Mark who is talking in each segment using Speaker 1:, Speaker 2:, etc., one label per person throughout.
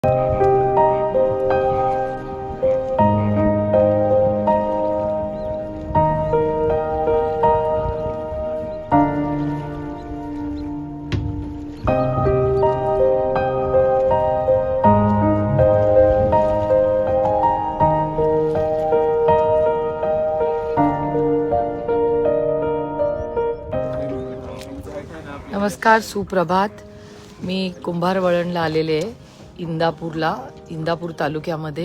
Speaker 1: नमस्कार, सुप्रभात. मी कुंभारवळणला आलेले आहे, इंदापूर तालुक्यामध्ये.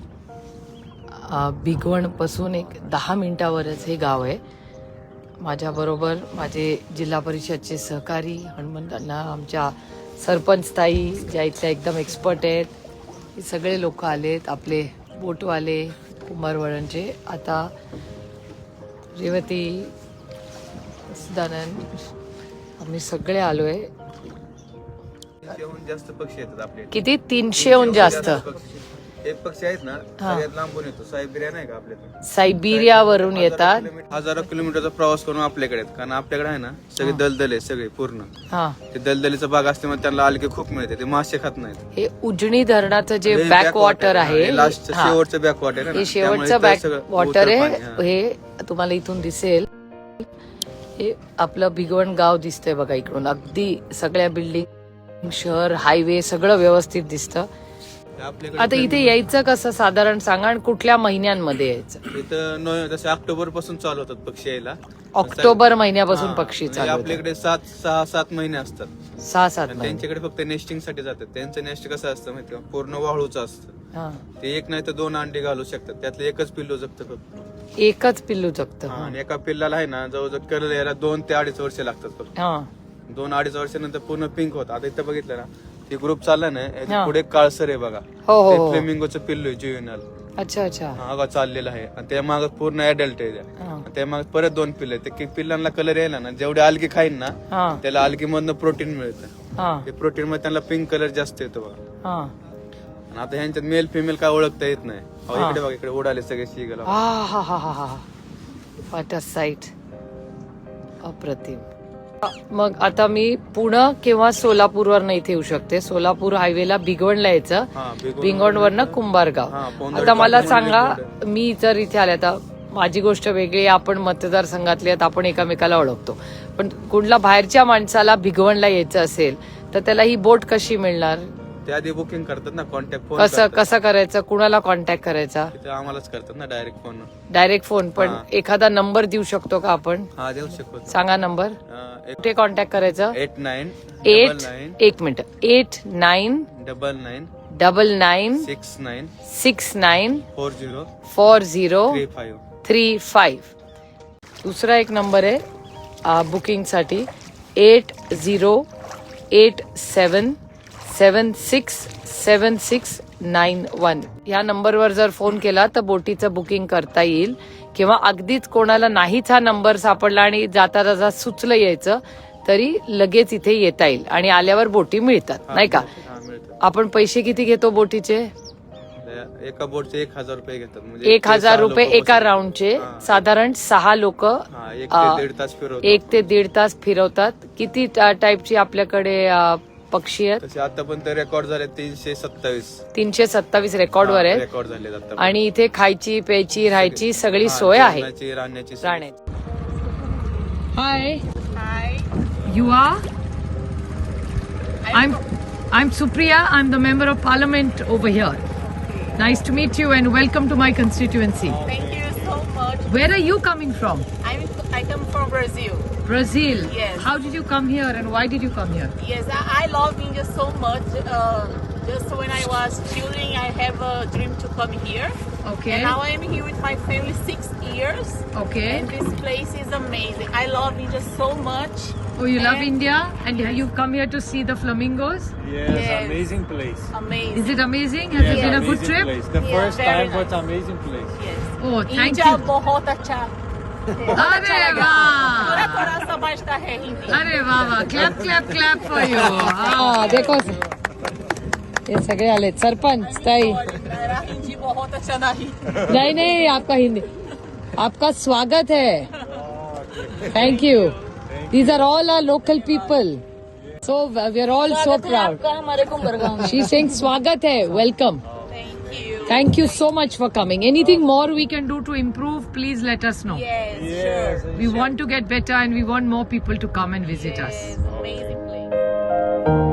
Speaker 1: भिगवणपासून एक 10 मिनिटावरच हे गाव आहे. माझ्याबरोबर माझे जिल्हा परिषदचे सहकारी हनुमंतांना, आमच्या सरपंच ताई ज्या इथल्या एकदम एक्सपर्ट आहेत, हे सगळे लोक आलेत, आपले बोटवाले कुंभारवळणचे. आता रेवती, सदानंद, आम्ही सगळे आलोय.
Speaker 2: 300हून जास्त पक्षी येतात आपले.
Speaker 1: किती? 300हून जास्त.
Speaker 2: एक पक्षी आहेत ना, सगळ्यात लांबून येतो. सायबेरिया नाही का आपल्याकडे,
Speaker 1: सायबेरियावरून येतात.
Speaker 2: हजारो किलोमीटरचा प्रवास करून आपल्याकडे आहेत. कारण आपल्याकडे आहे ना सगळे दलदल आहे, सगळे पूर्ण. ते दलदलीचा भाग असल्यामुळे त्यांना अलगे खूप मिळते, ते मासे खात नाहीत.
Speaker 1: हे उजनी धरणाचं जे बॅक वॉटर आहे,
Speaker 2: लास्ट शेवटचं बॅक वॉटर आहे,
Speaker 1: हे शेवटचं बॅक वॉटर आहे. हे तुम्हाला इथून दिसेल. हे आपलं भिगवण गाव दिसतंय बघा इकडून. अगदी सगळ्या बिल्डिंग, शहर, हायवे सगळं व्यवस्थित दिसतं. आता इथे यायचं कसं साधारण सांगा, आणि कुठल्या महिन्यांमध्ये यायचं?
Speaker 2: इथं जसे ऑक्टोबर पासून चालू होतात पक्षी यायला.
Speaker 1: ऑक्टोबर महिन्यापासून पक्षी चालू होतात.
Speaker 2: आपल्याकडे 6-7 महिने असतात.
Speaker 1: 6-7 महिने.
Speaker 2: त्यांच्याकडे फक्त नेस्टिंग साठी जातात. त्यांचं नेस्ट कसं असतं माहिती का, पूर्ण वाळूचं असतं. ते एक नाही तर 2 अंडी घालू शकतात. त्यातलं एकच पिल्लू जगतं फक्त.
Speaker 1: एकच पिल्लू जगतं.
Speaker 2: आणि एका पिल्लाला आहे ना जवळजवळ कलर यायला 2 ते 2.5 वर्ष लागतात फक्त. 2-2.5 वर्षानंतर पूर्ण पिंक होत. आता इथं बघितलं ना, ते ग्रुप चालला ना, पुढे काळसर आहे बघा.
Speaker 1: हो.
Speaker 2: फ्लेमिंगोचं पिल्लू आहे, जुवेनाल.
Speaker 1: अच्छा.
Speaker 2: हा चाललेला आहे. आणि त्या माग पूर्ण ऍडल्ट आहे. त्या माग परत 2 पिल्ल आहेत. ते पिल्लांना कलर यायला ना, जेवढे अलगी खाईन ना, त्याला अलगी मधनं प्रोटीन मिळतं. ते प्रोटीन मध्ये त्यांना पिंक कलर जास्त येतो बघा. आणि आता ह्यांच्यात मेल फिमेल काय ओळखता येत नाही. इकडे बघा, इकडे उडाले सगळे सीगल.
Speaker 1: व्हॉट अ साईट, अप्रतिम. मग आता मी पुणे किंवा सोलापूरवरनं इथे येऊ शकते. सोलापूर हायवेला भिगवणला यायचं, भिगवणवरनं कुंभारगाव. आता मला सांगा, मी जर इथे आले, आता माझी गोष्ट वेगळी, आपण मतदारसंघातले आहेत, आपण एकामेकाला ओळखतो. पण कुठल्या बाहेरच्या माणसाला भिगवणला यायचं असेल तर त्याला ही बोट कशी मिळणार?
Speaker 2: त्याआधी बुकिंग करतात ना, कॉन्टॅक्ट फोन.
Speaker 1: कसं करायचं? कुणाला कॉन्टॅक्ट करायचा?
Speaker 2: आम्हालाच करतात ना,
Speaker 1: डायरेक्ट फोन. पण एखादा नंबर देऊ शकतो का आपण?
Speaker 2: हा, देऊ शकतो.
Speaker 1: सांगा नंबर. कुठे कॉन्टॅक्ट करायचं? 89696969694035. दुसरा एक नंबर आहे बुकिंग साठी, 8087767691. या नंबरवर जर फोन केला तर बोटीचं बुकिंग करता येईल. किंवा अगदीच कोणाला नाहीच हा नंबर सापडला आणि जाता जाता सुचलं यायचं, तरी लगेच इथे येता येईल. आणि आल्यावर बोटी मिळतात, नाही का? आपण पैसे किती घेतो बोटीचे?
Speaker 2: एका बोटचे 1000 रुपये घेतात.
Speaker 1: 1000 रुपये एका राऊंडचे. साधारण 6 लोक
Speaker 2: 1
Speaker 1: ते 1.5 तास फिरवतात. किती टाईपची आपल्याकडे पक्षी आहेत?
Speaker 2: आतापर्यंत रेकॉर्ड झाले
Speaker 1: 327 रेकॉर्डवर आहेत. आणि इथे खायची, प्यायची, राहायची सगळी सोय आहे.
Speaker 2: राहण्याची.
Speaker 1: Hi, you are? I'm Supriya. I'm the member of parliament over here. Nice to meet you and welcome to my constituency.
Speaker 3: Thank you so much.
Speaker 1: Where are you coming from?
Speaker 3: I come from Brazil.
Speaker 1: Brazil.
Speaker 3: Yes.
Speaker 1: How did you come here and why did you come here?
Speaker 3: Yes, I love India so much. Just when I was children, I have a dream to come here.
Speaker 1: Okay.
Speaker 3: And now I am here with my family 6 years.
Speaker 1: Okay.
Speaker 3: And this place is amazing. I love India so much.
Speaker 1: Oh, you love India and you come here to see the flamingos?
Speaker 4: Yes, amazing place.
Speaker 3: Amazing.
Speaker 1: Is it amazing? Has it been a good trip?
Speaker 4: Place. The first
Speaker 3: very
Speaker 4: time, but
Speaker 3: nice.
Speaker 4: amazing place.
Speaker 3: Yes.
Speaker 1: Oh, thank
Speaker 3: India
Speaker 1: you.
Speaker 3: बहुत अच्छा.
Speaker 1: अरे वाह!
Speaker 3: थोड़ा समझता है हिंदी.
Speaker 1: अरे वाह वाह, clap clap clap for you. देखो ये सगळे आले. सरपंच ताई.
Speaker 3: मेरा हिंदी बहुत अच्छा नहीं.
Speaker 1: नहीं, आपका हिंदी, आपका स्वागत है. Thank you. These are all our local people. So we are all so proud.
Speaker 5: हमारे कुंभरगांव में
Speaker 1: She's saying स्वागत है, welcome.
Speaker 3: Thank you.
Speaker 1: Thank you so much for coming. Anything more we can do to improve, please let us know.
Speaker 3: Yes, sure.
Speaker 1: We want to get better and we want more people to come and visit us.
Speaker 3: Yes, amazing place.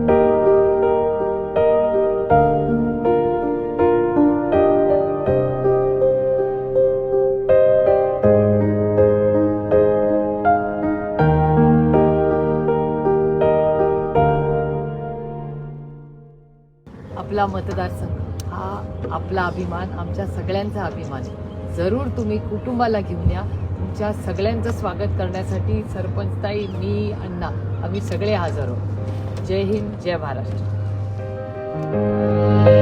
Speaker 1: आपला मतदारसंघ हा आपला अभिमान, आमच्या सगळ्यांचा अभिमान आहे. जरूर तुम्ही कुटुंबाला घेऊन या. तुमच्या सगळ्यांचं स्वागत करण्यासाठी सरपंचताई, मी, अण्णा आम्ही सगळे हजर आहोत. जय हिंद, जय महाराष्ट्र.